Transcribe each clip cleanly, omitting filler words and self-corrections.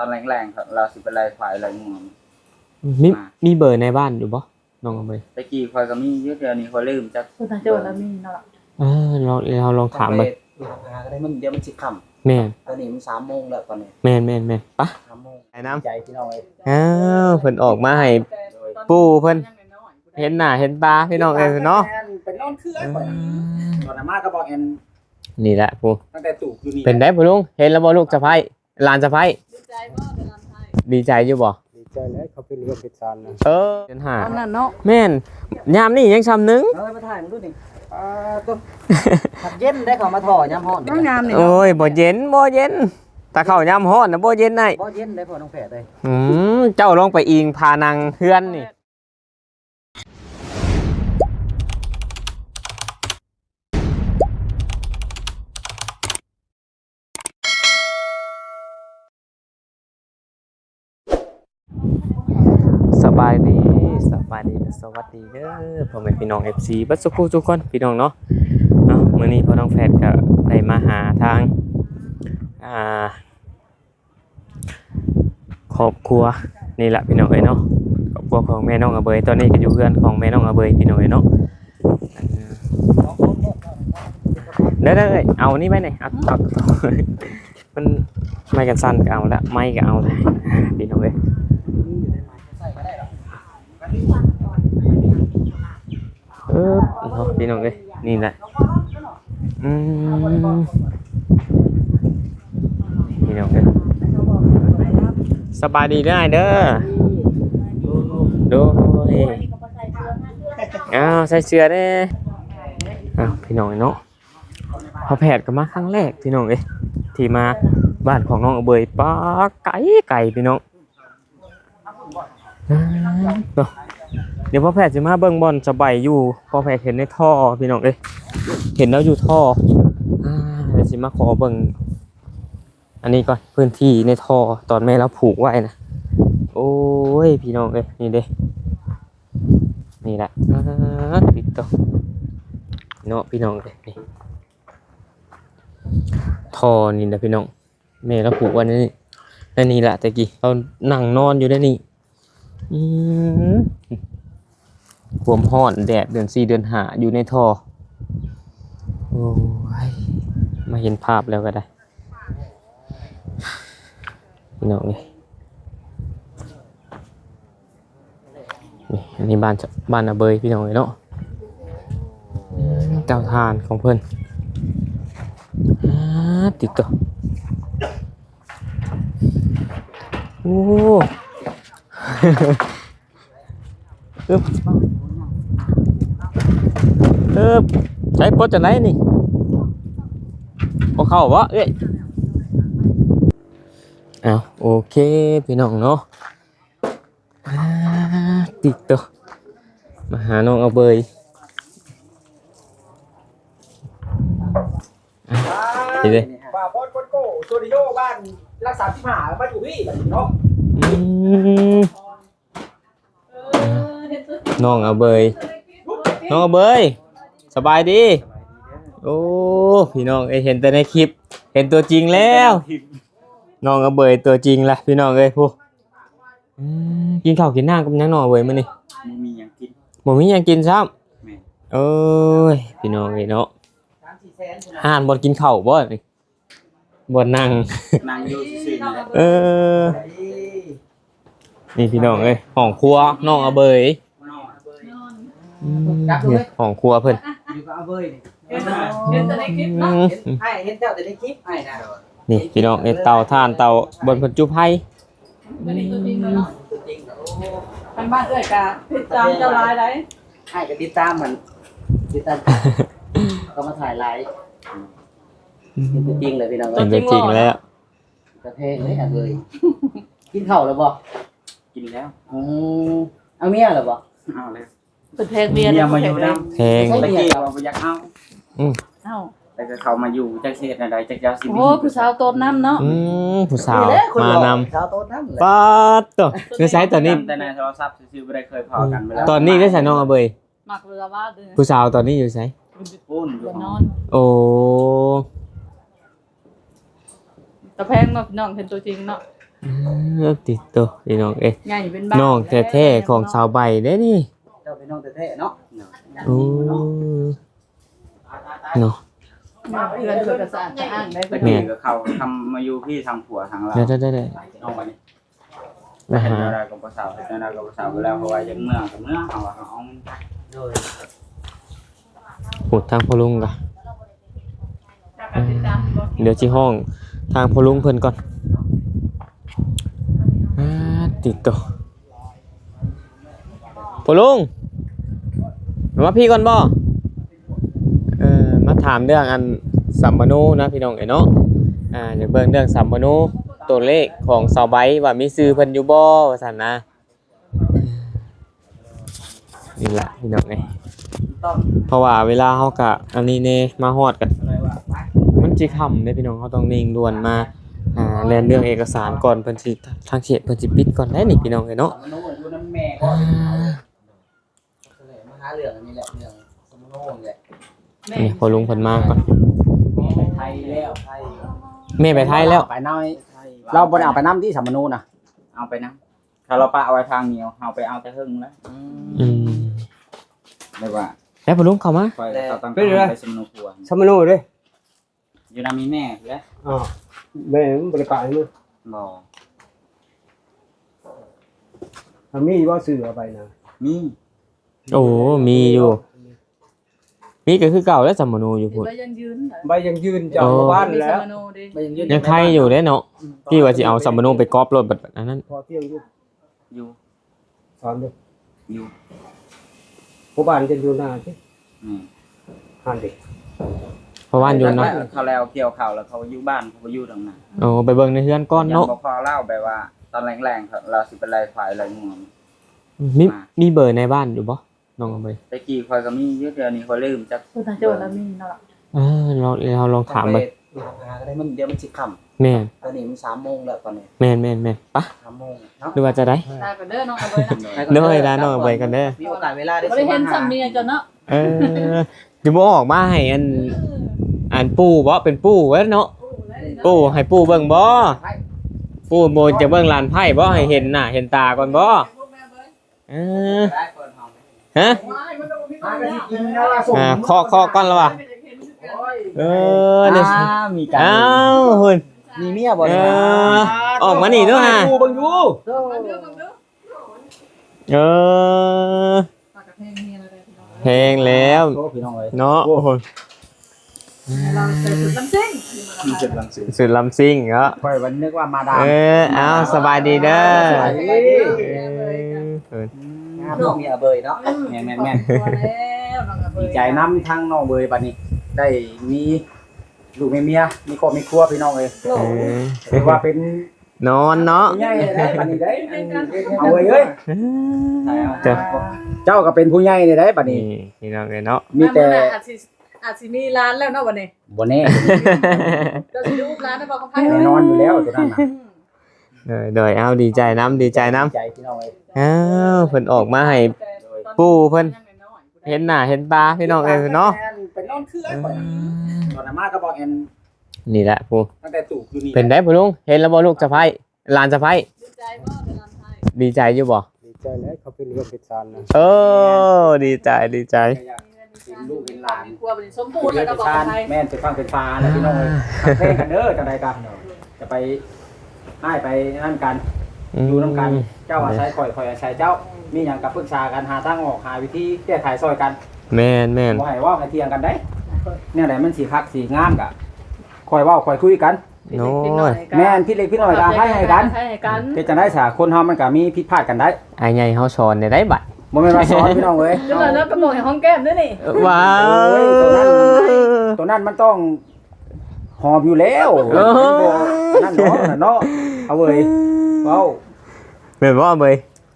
อนแรงๆครับเราสิไปไล่ควายไล่งัวมีเบอร์ในบ้านอยู่บ่น้องเอาไปตะกี้ควายก็มีเยอะเดี๋ยวนี้ควายลืมจักคือทางจังหวัดเรามีเนาะเราลองถามเบิ่งหาก็ได้มันเดี๋ยวมันสิค่ำแม่นตอนนี้มัน3 โมงแล้วตอนนี้แม่นปะ 3 โมงไอ้น้ำใจพี่น้องเอ้ยอ้าวเพิ่นออกมาให้ปู่เพิ่นเห็นหน้าเห็นตาพี่น้องเอ้ยเนาะเป็นนอนเครื่องก่อนตอนนั้นมาก็บอกแอนนี่แหละปู่ตั้งแต่ตู่อยู่นี่เป็นได้บ่ลุงเห็นแล้วบ่ลูกสะใภ้หลานสะใภ้ดีใจอยู่บ่ดีใจแล้วเขาไปเรียนเพชรซานนะเดือนห้าอันนั้นเนาะแม่นยามนี้ยังซ้ำนึงเอ้ยมาถ่ายมึงดูนี่ต้นผัดเย็นได้เขามาถ่อยามฮ้อนต้องงามนี่โอ้ยบ่เย็นถ้าเข้ายามร้อนน่ะบ่เย็นได้บ่เย็นได้พอน้องแผลได้เจ้าลองไปอิงพานางเฮือนนี่สบายดีสวัสดีเด้อพ่อแม่พี่น้อง FC บัดสุขทุกคนพี่น้องเนาะมื้อนี้พ่อน้องแฟดก็ได้มาหาทางครอบครัวนี่แหละพี่น้องเอ้ยเนาะครอบครัวของแม่น้องอเบยตอนนี้ก็อยู่เรือนของแม่น้องอเบยพี่น้องเอ้ยเนาะเด้อเอานี่ไว้หน่อยเอามันไม่กันสั้นก็เอาละไม่ก็เอาละพี่น้องเอ้ยเนาะพี่น้องเอ้ยนี่แหละพี่น้องเอ้ยสบายดีได้เด้อดูใส่เสื้อเด้พี่น้องเนาะพอแผดก็มาครั้งแรกพี่น้องเอ้ยที่มาบ้านของน้องอเบยป้าไก่พี่น้องเดี๋ยวพ่อแพทย์จะมาเบิ่งบอลสบายอยู่พ่อแพทย์เห็นในท่อพี่น้องเอ้ยเห็นแล้วอยู่ท่อเดี๋ยวจะมาขอเบิ่งอันนี้ก่อนพื้นที่ในท่อตอนแม่เราผูกไว้นะโอ้ยพี่น้องเอ้ยนี่เด้นี่แหละติดต่อเนาะพี่น้องเอ้ยนี่ท่อนี่นะพี่น้องแม่เราผูกไว้นี่แหละตะกี้เรานั่งนอนอยู่ได้นี่ความร้อนแดดเดือน4เดือน5อยู่ในท่อโอ้ยมาเห็นภาพแล้วก็ได้พี่น้องนี่อันนี้บ้านอาเบยพี่น้องเนาะเจ้าทานของเพิ่นติดต่อโอ้ใช้โพสจะไหนนี่พอเข้าวะเอ้ยโอเคพี่น้องเนาะติดตัวมาหาน้องเอาเบยดีเลยป่าบอสโก้สตูดิโอบ้านรักษาที่หาบ้านอยู่พี่เนาะน้องเอาเบยสบายดีโอ้พี่น้องเห็นแต่ในคลิปเห็นตัวจริงแล้วน้องเอาเบยตัวจริงละพี่น้องผู้กินข้าวกินน้ำกับยังน้องเบยมื้อนี้มีหยังกินบ่มีหยังกินซ้แม่ำเอ้ยพี่น้องเนาะห่านบ่กินข้าวบ่นี่บ่นั่งนางอยู่ซื่อๆนะนี่พี่น้องห้องครัวน้องเอาเบยห้องครัวเพิ่นอยู่กับอาเบยเห็นแต่ในคลิปเนาะเห็นเจ้าแต่ในคลิปไอ้นะนี่พี่น้องเตาถ่านเตาบนเพิ่นจุไผตัวนี้ตัวจริงเลยเนาะทางบ้านเอ้ยกะพิจารณ์เจ้าลายได้ไอ้ก็ติดตามมันติดตามก็มาถ่ายไลฟ์เป็นตัวจริงเลยพี่น้องเป็นตัวจริงแล้วกระเพงเลยอาเบยกินข้าวแล้วบ่กินแล้วเอาเมียแล้วบ่เอาแล้วเป็นเพลงเบียร์เมียมาอยู่นำแพงตะกี้เราบ่อยากเอาเอ้าแต่ก็เขามาอยู่จักเฮ็ดอะไรจักยาวสิโอ้ผู้สาวโตน้ำเนาะผู้สาวมานำสาวโตนั่นแหละป๊าดตัวคือใช้ตอนนี้แต่ในโทรศัพท์ซื่อๆบ่ได้เคยพอกันเวลาตอนนี้ได้ใส่น้องเอาเบยหมักเรือว่าเด้อผู้สาวตอนนี้อยู่ไสปุ้นอยู่เรือนห้นออง นโอ้ตะแพงเนาะพี่น้องเห็นตัวจริงเนาะติดตัวพี่น้องเอ้ยใหญ่เป็นบ้านน้องแท้ๆของสาวใบเด้นี่เจ้าเป็นน้องแท้ๆเนาะโอ้เนาะเพื่อนเพื่อนกระสานจะอ้างได้ตะเพื่อนกี้ก็เขาทำมาอยู่พี่ทางผัวทางเราได้เอามานี่มาเห็นหาอะไรกับภาษาเห็นอะไรกับภาษาไปแล้วเพราะว่ายังเมื่อกับเมื่อเอาเอาโดยพูดทางพ่อลุงกะเดี๋ยวสิห้องทางพ่อลุงเพิ่นก่อนติดตัวพ่อลุงมาพี่ก่อนบ่มาถามเรื่องอันสัมมโนนะพี่น้องเอ้ยเนาะอยากเบิ่งเรื่องสัมมโนตัวเลขของสาวใบว่ามีชื่อเพิ่นอยู่บ่ว่าซั่นนะนี่ล่ะพี่น้องเอ้ยต้องเพราะว่าเวลาเฮากะอันนี้แน่มาฮอดกันอะไรว่าไปมันสิค่ำเด้พี่น้องเขาต้องนิ่งด่วนมาแลนเรื่องเอกสารก่อนเพิ่นสิทางเขตเพิ่นสิปิดก่อนได้นี่พี่น้องเอ้ยเนาะสมโนอยู่น้ำแม่ก็มาหาเรื่องอันนี้แหละเรื่องสมโนนี่แหละนี่พอลุงเพิ่นมาก่อนไปไทยแล้วไทยแม่ไปไทยแล้วไปน้อยเราบ่ได้เอาไปน้ำที่สัมมนูนะเอาไปนะถ้าเราปะเอาไว้ทางเหนียวเอาไปเอาแต่หึ่งแล้วอืมเรียกว่าแล้วพอลุงเข้ามาคอยเขาต้องการไปสมนุผัวสัมมนูเด้อยู่นามีแม่แล้วอ๋อแม่มันบ่ได้ไปมึงบ่ถ้ามีบ่ซื้อเอาไปนะมีโอ้มีอยู่มีก็คือเก่าแล้วสัมมโนอยู่พุ่นใบยังยืนใบยังยืนเจ้าบ้านแล้วไปยังยืนยังใครอยู่เด้เนาะพี่ว่าสิเอาสัมมโนไปก๊อปรถแบบอันนั้นพอเที่ยงอยู่อยู่สอนเด้ออยู่ผู้บ้านจะอยู่หน้าสินี่หันเด็กเพราะว่าอยู่เนาะเขาแล้วเกี่ยวข่าวแล้วเขาอยู่บ้านเขาอยู่ตรงนั้นโอ้ไปเบิ่งในเฮือนก่อนยังเนาะบ่พอเล่าไปว่า ตอนแรงๆเราสิเป็นไรควายไรงัวมีเบอร์ในบ้านอยู่บ่น้องเอาไปตะกี้คอยก็มีเยอะเดี๋ยวนี้คอยลืมจักตัวทางโจทย์แล้วมีเนาะเราลองถามไปหาก็ได้มันเดี๋ยวมันสิค่แม่นำตอนนี้มัน3 โมงแล้วตอนนี้แม่นปะ 3 โมงเนาะหรือว่าจะได้ตายกันเด้อน้องเอาไว้นะเด้อเด้อน้องเอาไปกันเด้อมีโอกาสเวลาได้บ่ได้เห็นสามีจนเนาะเดี๋ยวบ่ออกมาให้อันปู่บ่เป็นปู่เว้ยเนาะปู่ให้ปู่เบิ่งบ่ปู่โบจะเบิ่งลานไพ่บ่ให้เห็นหน้าเห็นตาก่อนบ่ฮะกินแล้วล่ะส่งเคาะก่อนแล้วว่ะเนี่ยมีการอ้าวหุ่นมีเมียบ่ออกมานี่ด้วยฮะดูเบิ่งอยู่เพลงแล้วโอ้พี่น้องเอ้ยเนาะโอ้โหเราใส่สุดลำซิ่งมีจุดลังสือสุดลำซิ่งเหรอค่อยวันนึกว่ามาดามเอาสบายดีเด้อน้องมีอาเบยเนาะแม่นตัวแล้วน้องเอาๆไว้ดีใจน้ำทั้งน้องเบยบัดนี้ ได้มีลูกมีเมียมีครอบมีครัวพี่น้องเอ้ยถือว่าเป็นนอนเนาะผู้ใหญ่ได้บัดนี้ได้เอาเว้ยเอ้ยเจ้าเจ้าก็เป็นผู้ใหญ่ได้บัดนี่นี้พี่น้องเลยเนาะมีแต่อาจสิมีร้านแล้วเนาะวันนี้บ่แน่เราสิดูร้านได้บ่ของไผแน่นอนอยู่แล้วตัวนั้นน่ะเดยเอาดีใจน้ำใจพี่น้องเอ้ยอ้าวเพิ่นออกมาให้ปู่เพิ่นเห็นหน้าเห็นตาพี่น้องเอ้ยเนาะเป็นนอนเครื่องตอนนั้นมาก็บอกแอนนี่แหละปู่ตั้งแต่ตู่อยู่นี่เป็นได้ปู่ลุงเห็นแล้วบ่ลูกสะใภ้หลานสะใภ้ดีใจบ่เป็นร้านไทยดีใจอยู่บ่ดีใจแล้วเขาเป็นเรื่องเป็นซานนะดีใจเห็นลูกเห็นหลานกลัวเป็นสมบูรณ์แล้วก็บอกของไทยแม่นเป็นฟังเป็นฟ้าแล้วพี่น้องเอ้ยเพลงกันเด้อจังไดกันจะไปให้ไปนั่นกันอยู่นํกันเจ้าอาศัยข่อยอาศัยเจ้ามีหยังกับปรึกษากันหาทางออกหาวิธีแก้ไขซอยกันแม่นบ่ให้เว้าให้เถียงกันได้เนี่ยแหละมันสิคักสิงามกะค่อยเว้าค่อยคุยกันโน้ยแม่นพี่เล็กพี่น้อยก็ให้กันให้กันเฮ็ดจังได๋ซะคนเฮามันก็มีผิดพลาดกันได้ไอ้ใหญ่เฮาสอนได้บัดบ่แม่นว่าสอนพี่น้องเอ้ยจังเลยแล้วก็บอกให้ห้องแก้มด้วยนี่ว้าวตัวนั้นมันต้องหอมอยู่แล้วนั่นเนาะเอาเว้ยเว้าแม่นบ่เบย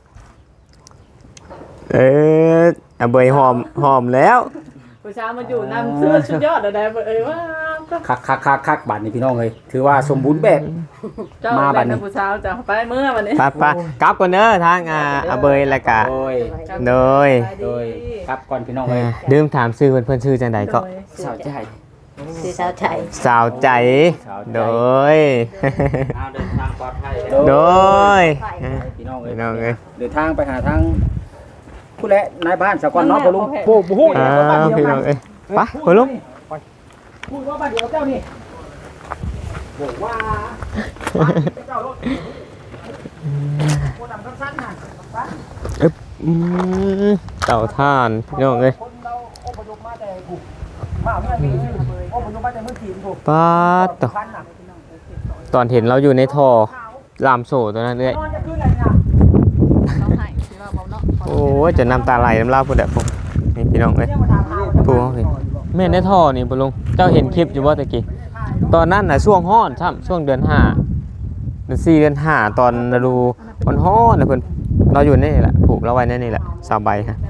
เบยหอมแล้วผู้ชายมาอยู่นำเสื้อชุดยอดอะไรเอ้ยว่าคักบัดนี้พี่น้องเอ้ยถือว่าสมบูรณ์แบบเจ้าแม่ผู้ชายจะไปเมื่อวันนี้ไปกลับก่อนเด้อทางเบยแล้วก็โดยโดยครับก่อนพี่น้องเอ้ยลืมถามชื่อเพิ่นชื่อจังไดก็สาวใจสีสาวใจสาวใจโดยเอาเดินทางปลอดภัยโดยพี่น้องพี่น้องเอ้ยเดินทางไปหาทางผู้และนายบ้านสกอนเนาะบ่ลุงโอ้โหอ้าวพี่น้องเอ้ยไปพ่อลุงพูดว่าบ้านเดียวกับเจ้านี่บอกว่าเจ้ารถโคดำสั้นๆน่ะเต่าท่านพี่น้องเอ้ยคนเราอพยพมาแต่กูมาเมื่อปีอพยพมาแต่เมื่อทีมกูป้าดต่อพันน่ะตอนเห็นเราอยู่ในท่อลามโซ่ตัวนั้นเลยนอนจะขึ้นอะไรเนี่ยเราให้สิว่าเบาเนาะโอ้ยจะน้ำตาไหลน้ำลายพูดแบบผมนี่พี่น้องเอ้ยเนี่ยมาถามหาผู้เขาเห็นแม่ในท่อนี่ปะลุงเจ้าเห็นคลิปอยู่ว่าตะกี้ตอนนั้นน่ะช่วงฮ้อนช่ำช่วงเดือน5เดือน4เดือน5ตอนฤดูมันฮ้อนนะเพิ่นเราอยู่ในนี่แหละผูกเราไว้ในนี่แหละสาวใบฮะ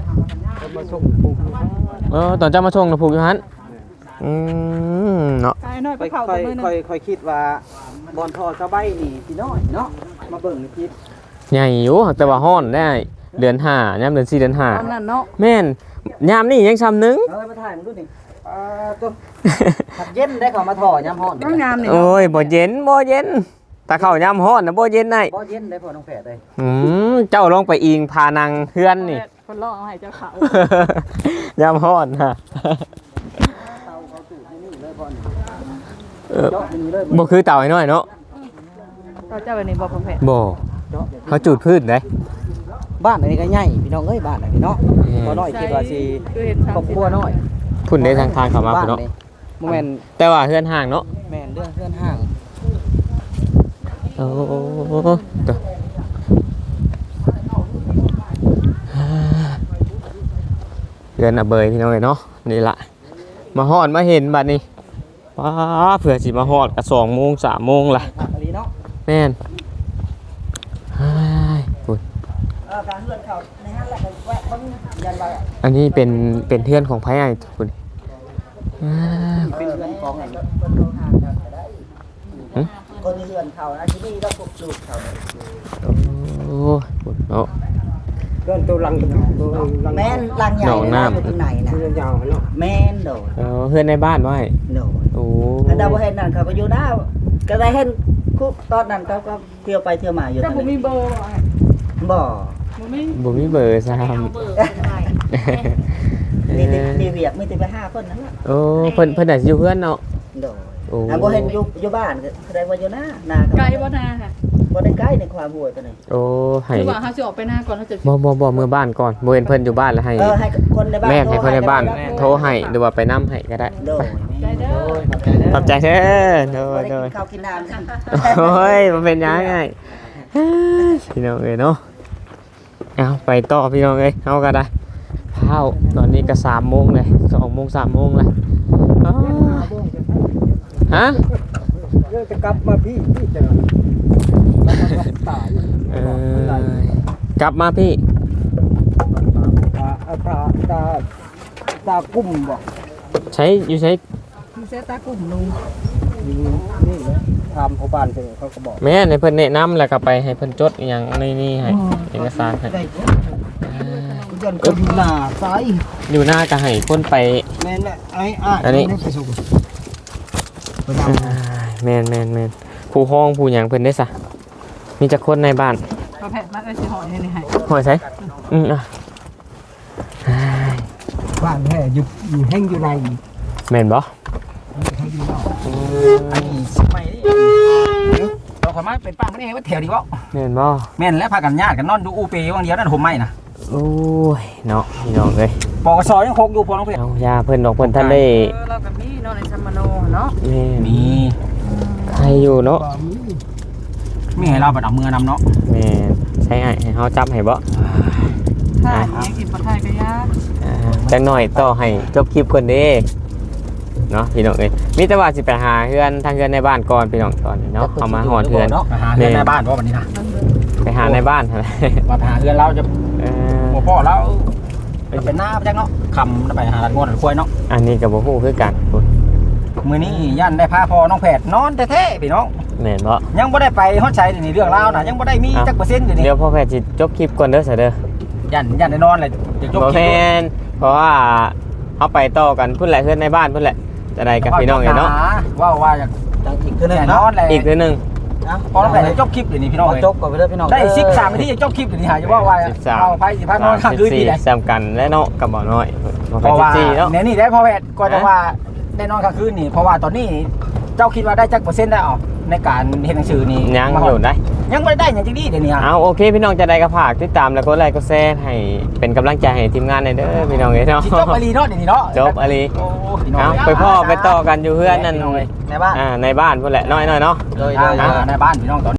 ตอนเจ้ามาชงนะผูกอยู่หันเนาะกายน้อยไปค่เข้าอยตัวมือนึงค่อยคิดว่าบอลทอสบายนี่พี่น้อยเนาะมาเบิ่งนี่คิดใหญ่อยู่แต่ว่าฮ้อนได้เดือน5ยามเดือน4เดือนตอนนั้นเนาะ 5แม่นยามนี่ยังซ้ำนึงเอาไปถ่ายมึงดูนี่ตัวขัดเย็นได้เขามาถอยามฮ้อนต้องงามนี่โอ้ยบ่เย็นบ่เย็นถ้าเข้ายามฮ้อนน่ะบ่เย็นได้บ่เย็นได้พอน้องแผดเลยเจ้าลองไปอิงพานังเฮือนนี่คนรอเอาให้เจ้าเขายามฮ้อนฮะเตาเขาสูตรนี่เลยพอนี่เออเจาะนี่เลยบ่คือเต่าไอ้น้อยเนาะเราเจ้าแบบนี้บอกผมเผ็ดบ่เขาจูดพืชได้บ้านอันนี้ก็ใหญ่พี่น้องเอ้ยบ้านอันนี้เนาะบ่น้อยคิดว่าสิคือเห็นครอบครัวน้อยพุ่นได้ทางเข้ามาบ้าพุ่นเนาะนี่บ่แม่นแต่ว่าเฮือนห่างเนาะแม่นเรื่องเพื่อนห้างโอ้ตัวเฮือนอะเบยพี่น้องเอ้ยเนาะนี่ล่ะมาฮอดมาเห็นบัดนี้ป้าเผื่อสิมาฮอดก็2 โมง 3 โมงล่ะอันนี้เนาะแม่นเฮ้ยพุ่นการเลื่อนเขาในห้างแหละก็แวะเบิ่งยันว่าอันนี้เป็นเพื่อนของไผไอ้พุ่นอ่าเป็นเรื่องของอัน คนเลื่อนเขานะที่นี่แล้วปลุกลูกเขาโอ้พุ่นเนาะเลื่อนตัวลังตัวลังแม่นลังใหญ่หนองน้ำอยู่ตรงไหนน่ะเลื่อนยาวเนาะแม่นโดดเพื่อนในบ้านไว้โดดโอ้อันดาวบ่เห็นนั่นเขาก็อยู่ดาวก็ได้เห็นคุกตอนนั้นเขาก็เที่ยวไปเที่ยวมาอยู่เจ้านั่นผมมีเบอร์บ่ผมมีบ่มีเบอร์ซ้เอาเบอร์ได้นี่ำนี่เวียกมีแต่ไป5คนนั่นล่ะโอ้เพิ่นน่ะสิอยู่เพื่อนเนาะโดดโอ้อ่ะบ่เห็นอยู่บ้านก็แสดงว่าอยู่หน้าก็ไกลบ่นาค่ะบ่ได้ใกล้ในความหัวตัวนี้โอ้ให้คือว่าเขาจะออกไปหน้าก่อนเขาจะบ่เมื่อบ้านก่อนบ่เห็นเพิ่นอยู่บ้านแล้วให้ให้คนในบ้านแม่นให้คนในบ้านโทโทรให้หรือว่าไปนํให้ก็ได้โดดได้เด้อขอบใจเด้อโดบ่ยได้โดกิยนข้าวกินน้ำกันโอ้ยมันเป็นยังไงพี่น้องเอ้ยเนาะเอาไปต่อพี่น้องเอ้ยเอาก็ได้เช้าตอนนี้ก็3 โมงเลย2 โมง 3 โมงเลยอ้าวฮะเรื่องจะกลับมาพี่จะตายกลับมาพี่ตากุ้มบ่ใช้อยู่ใช้มีเซตากลุ่มลุงนี่เลยทำเขาบ้านเพิ่นเขาก็บอกแม่ในเพิ่นแนะนำแล้วก็ไปให้เพิ่นจดอหย่างในนี่ให้เอกสารให้ยันก็อยู่หน้าซ้ายอยู่หน้าก็ให้คนไปแม่นแหละไอ้อันนี้ไปส่งไปนแม่นผู้ห้องผู้หยังเพิ่นได้ซะมีจักคนในบ้านประเภทมันก็สิหอยนี่ให้หอยใส่อ่ะำบ้านแท้อยู่แห้งอยู่ในแม่นบ่แห้งอยู่นอกอันนี้สมัยนี้เราขอมาเป็นป้าไม่ได้ว่าแถวดีวะแม่นบ่แม่นแล้วพากันญาติกันนอนดูอูเปว่างเดียวนั่นผมไม่นะโอ้ยเนาะพี่น้องเอ้ยปกสยังคงอยู่พอน้องเพชรเอายาเพิ่นดอกเพิ่นทันได้เรากับมีเนาะในซัมมาโนเนาะแม่นมีใครอยู่เนาะมีให้เราบัดเอามือนำเนาะแม่นใช่ให้เฮาจับให้บ่ถ้าอย่างกินปลาไทยก็ยากจังหน่อยต่อให้จบคลิปก่อนเด้เนาะพี่น้องเอ้ยมีแต่ว่าสิไปหาเฮือนทางเฮือนในบ้านก่อนพี่น้องตอนนี้เนาะเอามาหอดเฮือนเนาะหาเฮือนในบ้านว่าวันนี้นะไปหาในบ้านหั่นแหละว่าหาเฮือนเราจะเออหัวพ่อเราเป็นหน้าไปจังเนาะคำไปหาหลัดงวดหลัดควายเนาะอันนี้ก็บ่ฮู้คือกันพุ่นมือนี้ยันได้พาพ่อน้องแผดนอนแท้ๆพี่น้องแม่นบ่ยังไม่ได้ไปฮอดชัยนี่เรื่องราวนะยังไม่ได้มีจักเปอร์เซ็นต์อยู่นี่เดี๋ยวพ่อแพทย์สิจบคลิปก่อนเด้อซะเด้อยันได้นอนเลยจะจบบ่คลิแม่ปนเพราะว่าเอาไปต่อกันพุ่นแหละเฮือนในบ้านพุ่นแหละจะได้กับพี่น้องเนาะว่าอยากจังอีกคือหนึงแน่นเนาะอนเลยอีกเทื่อหนึงพอเราไปจบคลิปเดี๋ยวนี้พี่น้องเอาจบก่อนไปเด้อพี่น้องได้13นาทีจะจบคลิปเดี๋ยวนี้หาจะว่าเอาไปสิพานอนข้างคืนดีเลย 14ซ้ำกันและเนาะกับบ่น้อยเพราะว่า 14เนาะเนี่ยนี่ได้พอแวดก็จะว่าได้นอนข้างคืนนี่เพราะว่าตอนนี้เจ้าคิดว่าได้จักเปอร์เซ็นต์ได้ออกในการเห็นหนังสือนี่ยังอยู่ได้ยังไม่ได้อย่างจริงๆเดี๋ยวนี้เอาโอเคพี่น้องจะได้กระผากติดตามแล้วก็ไลค์ก็แชร์ให้เป็นกำลังใจให้ทีมงานหน่อยเด้อพี่น้องเนาะสิจบอลีเนาะเดี๋ยวนี้เนาะจบอลีโอ้พี่น้องเอาไปพ่อไปต่อกันอยู่เพื่อนนั่นในบ้านในบ้านพุ่นแหละน้อยๆเนาะโดยในบ้านพี่น้องตอน